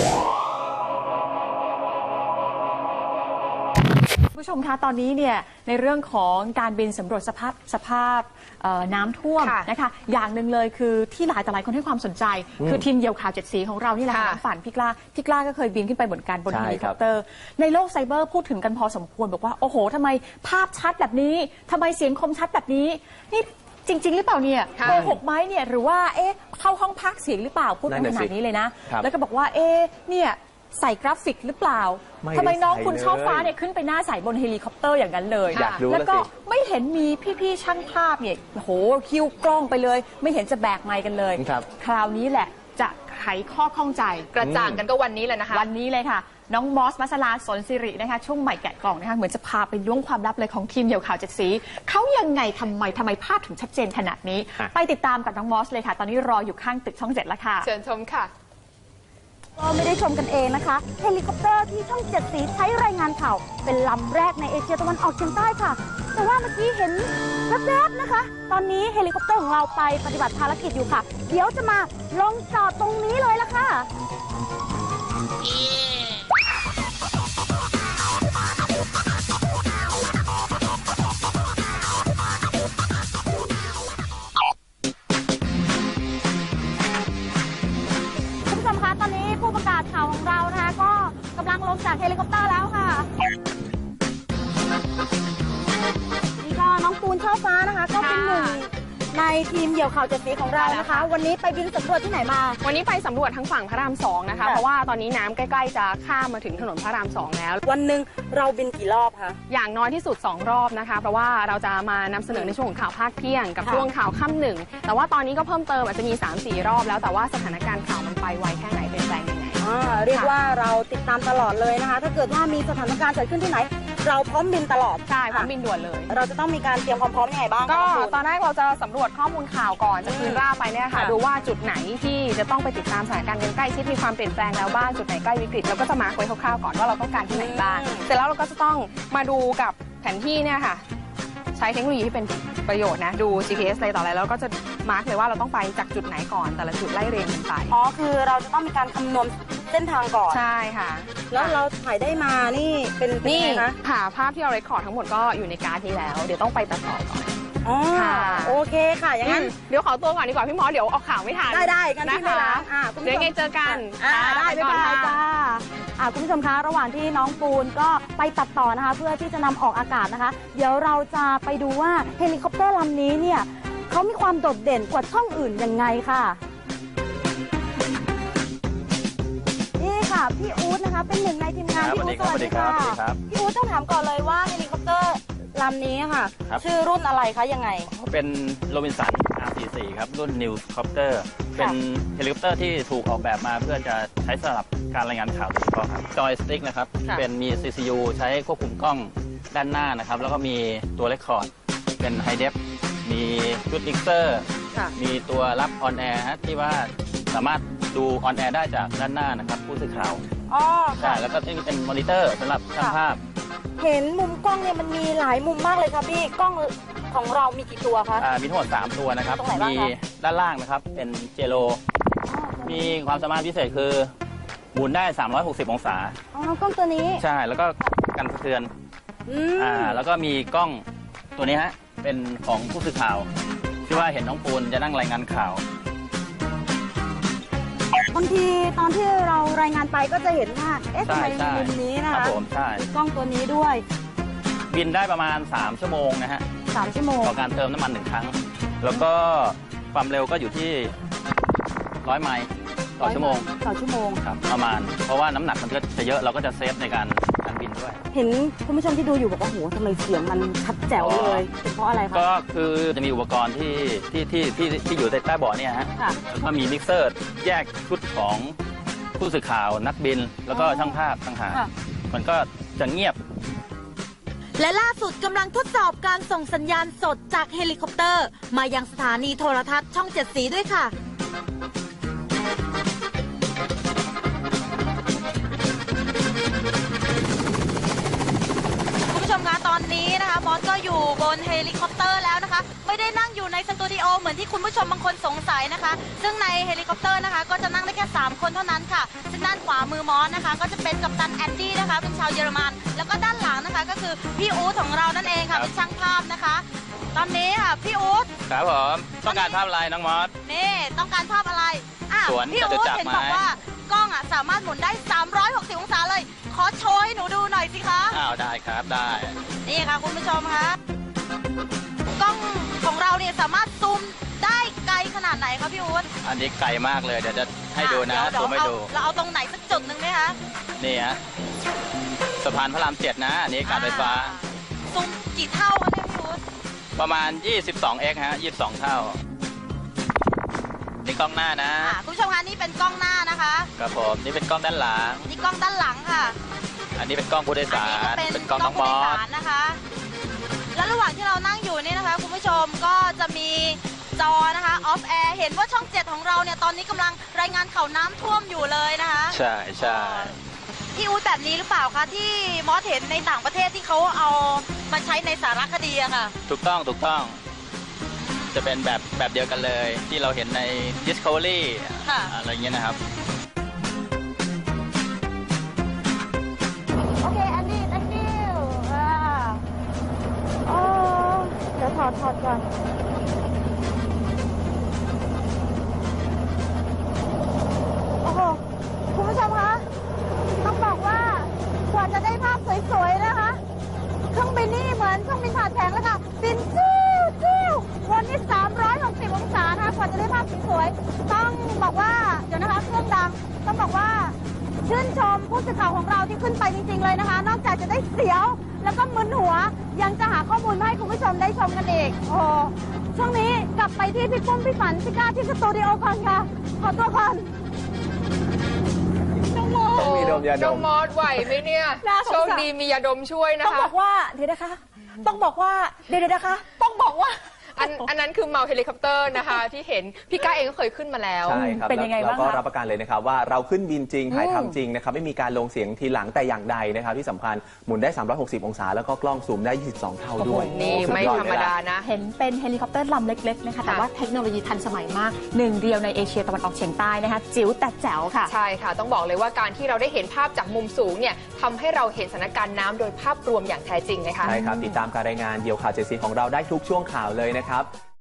ผู้ชมคะตอนนี้เนี่ยในเรื่องของการบินสำรวจสภาพน้ำท่วมนะคะอย่างหนึ่งเลยคือที่หลายต่อหลายคนให้ความสนใจคือทีมเหยี่ยวข่าว7 สีของเรานี่แหละค่ะน้องฝันพี่กล้าก็เคยบินขึ้นไปเหมือนกันบนเฮลิคอปเตอร์ในโลกไซเบอร์พูดถึงกันพอสมควรบอกว่าโอ้โหทำไมภาพชัดแบบนี้ทำไมเสียงคมชัดแบบนี้นี่จริงหรือเปล่าเนี่ยโกหกไหมเนี่ยหรือว่าเข้าห้องพากย์เสียงหรือเปล่าพูดขนาดนี้เลยนะแล้วก็บอกว่าเนี่ยใส่กราฟิกหรือเปล่าทำไมน้องคุณช่อฟ้าเนี่ยขึ้นไปหน้าใสบนเฮลิคอปเตอร์อย่างนั้นเลยแล้วก็ไม่เห็นมีพี่ๆช่างภาพเนี่ยโหคิวกล้องไปเลยไม่เห็นจะแบกไมค์กันเลยคราวนี้แหละจะไขข้อข้องใจกระจ่างกันก็วันนี้เลยนะคะวันนี้เลยค่ะน้องมอสมัสลาสนสิรินะคะช่วงใหม่แกะกล่องนะคะเหมือนจะพาไปล้วงความลับเลยของทีมเหยี่ยวข่าว7 สีเขายังไงทำไมภาพถึงชัดเจนขนาดนี้ไปติดตามกับน้องมอสเลยค่ะตอนนี้รออยู่ข้างตึกช่อง7แล้วค่ะเชิญชมค่ะก็ไม่ได้ชมกันเองนะคะเฮลิคอปเตอร์ที่ช่อง7 สีใช้รายงานข่าวเป็นลำแรกในเอเชียตะวันออกเฉียงใต้ค่ะแต่ว่าเมื่อกี้เห็นแวบๆนะคะตอนนี้เฮลิคอปเตอร์ของเราไปปฏิบัติภารกิจอยู่ค่ะเดี๋ยวจะมาลงจอดตรงนี้เลยละค่ะตอนนี้ผู้ประกาศข่าวของเรานะคะก็กำลังลงจากเฮลิคอปเตอร์แล้วค่ะนี่ก็น้องปูนช่อฟ้านะคะก็เป็นหนึ่งในทีมเหยี่ยวข่าว7 สีของเรานะคะวันนี้ไปบินสำรวจที่ไหนมาวันนี้ไปสำรวจทั้งฝั่งพระราม2นะคะเพราะว่าตอนนี้น้ำใกล้ๆจะข้ามมาถึงถนนพระราม2แล้ววันหนึ่งเราบินกี่รอบคะอย่างน้อยที่สุด2 รอบนะคะเพราะว่าเราจะมานำเสนอในช่วงของข่าวภาคเที่ยงกับช่วงข่าวค่ำหนึ่งแต่ว่าตอนนี้ก็เพิ่มเติมอาจจะมี 3-4 รอบแล้วแต่ว่าสถานการณ์ข่าวมันไปไวแค่ไหนเปลี่ยนแปลงยังไงเรียกว่าเราติดตามตลอดเลยนะคะถ้าเกิดว่ามีสถานการณ์เกิดขึ้นที่ไหนเราพร้อมบินตลอดใช่พร้อมบินด่วนเลยเราจะต้องมีการเตรียมความพร้อมยังไงบ้างก็ตอนแรกเราจะสำรวจข้อมูลข่าวก่อนจากคืนร่าไปเนี่ยค่ะดูว่าจุดไหนที่จะต้องไปติดตามสถานการณ์ใกล้ชิดมีความเปลี่ยนแปลงแล้วบ้างจุดไหนใกล้วิกฤตเราก็จะมาร์คไว้คร่าวๆก่อนว่าเราต้องการที่ไหนบ้างเสร็จแล้วเราก็จะต้องมาดูกับแผนที่เนี่ยค่ะใช้เทคโนโลยีที่เป็นประโยชน์นะดู GPS อะไรต่ออะไรแล้วก็จะมาร์คเลยว่าเราต้องไปจากจุดไหนก่อนแต่ละจุดไล่เรียงกันไปคือเราจะต้องมีการคำนวณเส้นทางก่อนใช่ค่ะแล้วเราถ่ายได้มานี่เป็นนี่ค่ะภาพที่เราเรคคอร์ดทั้งหมดก็อยู่ในการ์ดนี้แล้วเดี๋ยวต้องไปตัดต่อก่อนโอเคค่ะอย่างนั้นเดี๋ยวขอตัวก่อนดีกว่าพี่มอสเดี๋ยวออกข่าวไม่ทันได้กันที่ไม่ล้างเดี๋ยวไงเจอกันได้บ๊ายบายจ้าคุณผู้ชมคะระหว่างที่น้องปูนก็ไปตัดต่อนะคะเพื่อที่จะนำออกอากาศนะคะเดี๋ยวเราจะไปดูว่าเฮลิคอปเตอร์ลำนี้เนี่ยเขามีความโดดเด่นกว่าช่องอื่นยังไงค่ะนี่ค่ะพี่อู๊ดนะคะเป็นหนึ่งในทีมงานพี่อู๊ดสวัสดีค่ะพี่อู๊ดต้องถามก่อนเลยว่าเฮลิคอปเตอร์ลำนี้ค่ะชื่อรุ่นอะไรคะยังไงเป็นโรบินสัน R44 ครับรุ่น New Copter เป็นเฮลิคอปเตอร์ที่ถูกออกแบบมาเพื่อจะใช้สำหรับการรายงานข่าวโดยเฉพาะครับจอยสติ๊กนะครับเป็นมี CCU ใช้ควบคุมกล้องด้านหน้านะครับแล้วก็มีตัวเรคคอร์ดเป็นไฮเดฟมีชุดมิกเซอร์มีตัวรับออนแอร์ที่ว่าสามารถดูออนแอร์ได้จากด้านหน้านะครับผู้สื่อข่าวใช่แล้วก็นี่เป็นมอนิเตอร์สำหรับช่างภาพเห็นมุมกล้องเนี่ยมันมีหลายมุมมากเลยครับพี่กล้องของเรามีกี่ตัวคะมีทั้งหมด3ตัวนะครับมีด้านล่างนะครับเป็นเจโลมีความสามารถพิเศษคือหมุนได้360 องศากล้องตัวนี้ใช่แล้วก็กันสะเทือนแล้วก็มีกล้องตัวนี้ฮะเป็นของผู้สื่อข่าวที่ว่าเห็นน้องปูนจะนั่งรายงานข่าวบางทีตอนที่เรารายงานไปก็จะเห็นว่าทำไมมุมนี้นะคะกล้องตัวนี้ด้วยบินได้ประมาณ3 ชั่วโมงนะฮะ 3 ชั่วโมงต่อการเติมน้ำมัน1 ครั้งแล้วก็ความเร็วก็อยู่ที่100 ไมล์ต่อชั่วโมงครับประมาณเพราะว่าน้ำหนักมันก็จะเยอะเราก็จะเซฟในการบินด้วยเห็นคุณผู้ชมที่ดูอยู่บอกว่าโหทำไมเสียงมันชัดแจ๋วเลยเป็นเพราะอะไรครับก็คือจะมีอุปกรณ์ที่อยู่ใต้เบาะเนี่ยฮะแล้วก็มีมิกเซอร์แยกชุดของผู้สื่อข่าวนักบินแล้วก็ช่างภาพต่างหากมันก็จะเงียบและล่าสุดกำลังทดสอบการส่งสัญญาณสดจากเฮลิคอปเตอร์มายังสถานีโทรทัศน์ช่อง7 สีด้วยค่ะคุณผู้ชมคะตอนนี้นะคะมอสก็อยู่บนเฮลิคอปเตอร์แล้วนะคะไม่ได้นั่งอยู่ในสตูดิโอเหมือนที่คุณผู้ชมบางคนสงสัยนะคะ ซึ่งในเฮลิคอปเตอร์นะคะก็จะนั่งได้แค่3คนเท่านั้นค่ะซึ่งด้านขวามือมอสนะคะก็จะเป็นกัปตันแอนดี้นะคะเป็นชาวเยอรมันแล้วก็ด้านหลังนะคะก็คือพี่อู๊ดของเรานั่นเองค่ะเป็นช่างภาพนะคะ ตอนนี้ค่ะพี่อู๊ดครับผมต้องการภาพอะไรน้องมอสนี่ต้องการภาพอะไรสวนพี่จตุอู๊ดจักรเห็นไหมบอกว่ากล้องสามารถหมุนได้360องศาเลยขอโชว์ให้หนูดูหน่อยสิคะอ้าวได้ครับได้นี่ค่ะคุณผู้ชมคะกล้องของเราเนี่ยสามารถซูมได้ไกลขนาดไหนคะพี่อู๊ดอันนี้ไกลมากเลยเดี๋ยวจะให้ดูนะเดี๋ซูยวมให้ดูเราเอาตรงไหนสักจุดหนึ่งไหมคะนี่ฮะสะพานพระราม7นะอันนี้การไฟฟ้าซูมกี่เท่าคะเนี่ยพี่อู๊ดประมาณ 22x ฮะ22 เท่านี่กล้องหน้านะคุณผู้ชมคะนี่เป็นกล้องหน้านะคะครับผมนี่เป็นกล้องด้านหลังนี่กล้องด้านหลังค่ะอันนี้เป็นกล้องผู้โดยอัสานนี้ก็รเป็นเป็นกกล้ล้ออง งน้องผู้มโดอย สสารนะคะ และระหว่างที่เรานั่งอยู่นี่นะคะคุณผู้ชมก็จะมีจอนะคะออฟแอร์เห็นว่าช่อง 7 ของเราเนี่ยตอนนี้กำลังรายงานข่าวน้ำท่วมอยู่เลยนะคะใช่ใช่พี่อู๊ดแบบนี้หรือเปล่าคะที่มอสเห็นในต่างประเทศที่เขาเอามาใช้ในสารคดีอะค่ะถูกต้องถูกต้อง จะเป็นแบบเดียวกันเลย ที่เราเห็นใน Discovery ค่ะอะไรเงี้ยนะครับโอเคแอนดี้ thank you โอ้เดี๋ยวถอดก่อนโอ้โหคุณผู้ชมคะต้องบอกว่ากว่าจะได้ภาพสวยๆนะคะเครื่องบินนี่เหมือนเครื่องบินผ่านแผงเลยค่ะบินจิ้ววนที่360องศานะคะกว่าจะได้ภาพสวยๆต้องบอกว่าเดี๋ยวนะคะเครื่องดังต้องบอกว่าชื่นชมผู้สื่อข่าวของเราที่ขึ้นไปจริงๆเลยนะคะ นอกจากจะได้เสียวแล้วก็มึนหัวยังจะหาข้อมูลมาให้คุณผู้ชมได้ชมกันอีกโอ้ช่วงนี้กลับไปที่พี่ปุ้มพี่ฝันพี่ก้าที่สตูดิโอก่อนค่ะขอตัวก่อนต้องมีดมยาดน้องมมอสไหวไหมเนี่ยน่าสงสารโชคดีมียาดมช่วยนะต้องคะบอกว่าเดี๋ยวนะคะ ต้องบอกว่าเดี๋ยวนะคะ ต้องบอกว่าอันนั้นคือเมาเฮลิคอปเตอร์นะคะ ที่เห็นพี่ก้าเองก็เคยขึ้นมาแล้วใช่ครับเป็นยังไงแล้วบ้างก็คะรับประกันเลยนะครับว่าเราขึ้นบินจริงถ่ายทำจริงนะครับไม่มีการลงเสียงทีหลังแต่อย่างใดนะครับที่สำคัญหมุนได้ 360 องศา แล้วก็กล้องซูมได้ 22 เท่าด้วยนี่โอ้สุไม่ยอธรรมเลยดาล่ะนะเห็นเป็นเฮลิคอปเตอร์ลำเล็กๆนะคะแต่ว่าเทคโนโลยีทันสมัยมากหนึ่งเดียวในเอเชียตะวันออกเฉียงใต้นะคะจิ๋วแต่แจ๋วค่ะใช่ค่ะ ต้องบอกเลยว่าการที่เราได้เห็นภาพจากมุมสูงเนี่ยทำให้เราเห็นสถานการณ์น้ำโดยภาพรวมอย่างแท้จริงนะคะใช่ครับติดตามการรายงานเดี่ยวข่าวเจ็ดสีของเราได้ทุกช่วงข่าวเลยนะครับ